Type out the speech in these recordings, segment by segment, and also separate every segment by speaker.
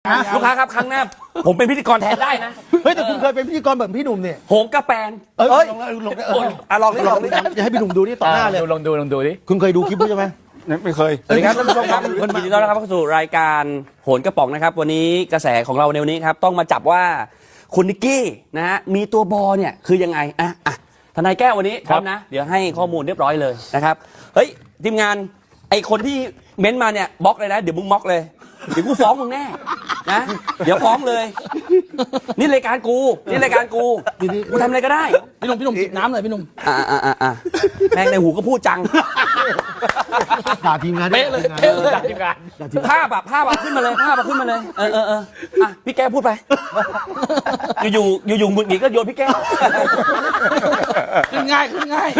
Speaker 1: ลูกค้าครับครั้งหน้าผมเป็นพิธีกรแทนได้นะ
Speaker 2: เฮ้ยแต่คุณเคยเป็นพิธีกรแบบพี่หนุ่มเนี่ย
Speaker 1: โหงกระแปน
Speaker 2: เอ้ยลองลอง
Speaker 3: ลองดิลองดิ
Speaker 2: จะให้พี่หนุ่มดูนี่ต่อหน้าเลย
Speaker 3: ลองดูดิ
Speaker 2: คุณเคยดูคลิปด้วยใช่ไหม
Speaker 4: ไม่เคย
Speaker 1: สวัสดีครับท่านผู้ชมครับยินดีต้อนรับเข้าสู่รายการโหนกระป๋องนะครับวันนี้กระแสของเราในวันนี้ครับต้องมาจับว่าคุณนิกกี้นะฮะมีตัวบอเนี่ยคือยังไงทนายแก้ววันนี้พร้อมนะเดี๋ยวให้ข้อมูลเรียบร้อยเลยนะครับเฮ้ยทีมงานไอคนที่เม้นต์มาเนี่ยบล็อกเลยนะเดี๋ยวมึงบล็อกเลยเดี๋ยวกูฟ้องมึงแน่นะเดี๋ยวฟ้องเลยนี่รายการกูกูทำอะไรก็ได้
Speaker 5: พี่หนุ่มจิบน้ำหน่อยพี่หนุ่ม
Speaker 1: แม่งในหูก็พูดจัง
Speaker 2: ด่าทีมงาน
Speaker 5: เป๊ะเลย
Speaker 3: จากทีมงาน
Speaker 1: ภาพขึ้นมาเลยพี่แก้วพูดไปอยู่หงุดหงิดก็โยนพี่แก้ว
Speaker 5: ขึ้นง่าย
Speaker 1: ข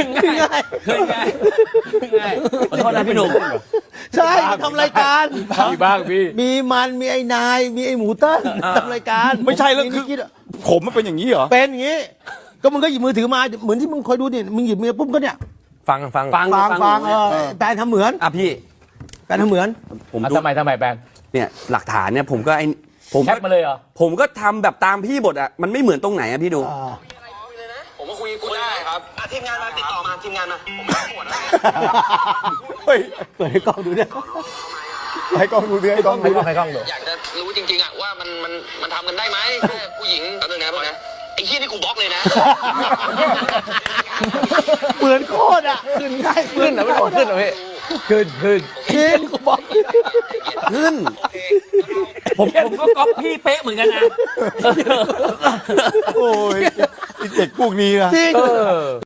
Speaker 1: อโทษนะพี่หนุ่ม
Speaker 2: ใช่ทำรายการ
Speaker 3: มีบ้างพี่
Speaker 2: มีมันมีไอ้นายมีไอ้หมูเติ้ลทำรายการ
Speaker 4: ไม่ใช่แล้วคือผมมันเป็นอย่างนี้เหรอ
Speaker 2: เป็นอย่างนี้ ก็มึงก็หยิบมือถือมาเหมือนที่มึงคอยดูเนี่ยมึงหยิบมือปุ๊บก็เนี่ย
Speaker 3: ฟัง
Speaker 2: ฟังแปลทำเหมือน
Speaker 1: พี่
Speaker 2: แปลทำเหมือน
Speaker 1: ผมดู
Speaker 3: ทำไมแบน
Speaker 1: เนี่ยหลักฐานเนี่ยผมก็
Speaker 3: แคปมาเลยเหรอ
Speaker 1: ผมก็ทำแบบตามพี่บทมันไม่เหมือนตรงไหนพี่ดู
Speaker 6: ผมก็คุยได้ครับทีมงานมาติดต่อมาทีมงานมาผมไม่ปวดแล้ว
Speaker 4: เฮ้ย
Speaker 2: เปิดให้กล้องดูเนี่ย
Speaker 4: ให้กล้องดูดิให้กล้องดู
Speaker 3: ให้กล้องดู
Speaker 6: อยากจะรู้จริงๆอะว่ามันทำกันได้ไหมแค่ผู้หญิงแป๊บนึงนะพ่อนะไอ้เหี้ยนี่กูบล็อกเลยนะ
Speaker 2: เหมือนโคตรอ่ะ
Speaker 3: ขึ้นเหรอไม่บอกขึ้นเหรอพี่ขึ้น
Speaker 2: จริงกูบอก
Speaker 1: ขึ้นผมก็ก๊อปพี่เป๊ะเหมือนกันนะ
Speaker 4: โอ้ยไอ้เด็กพวกนี้นะ
Speaker 2: จริง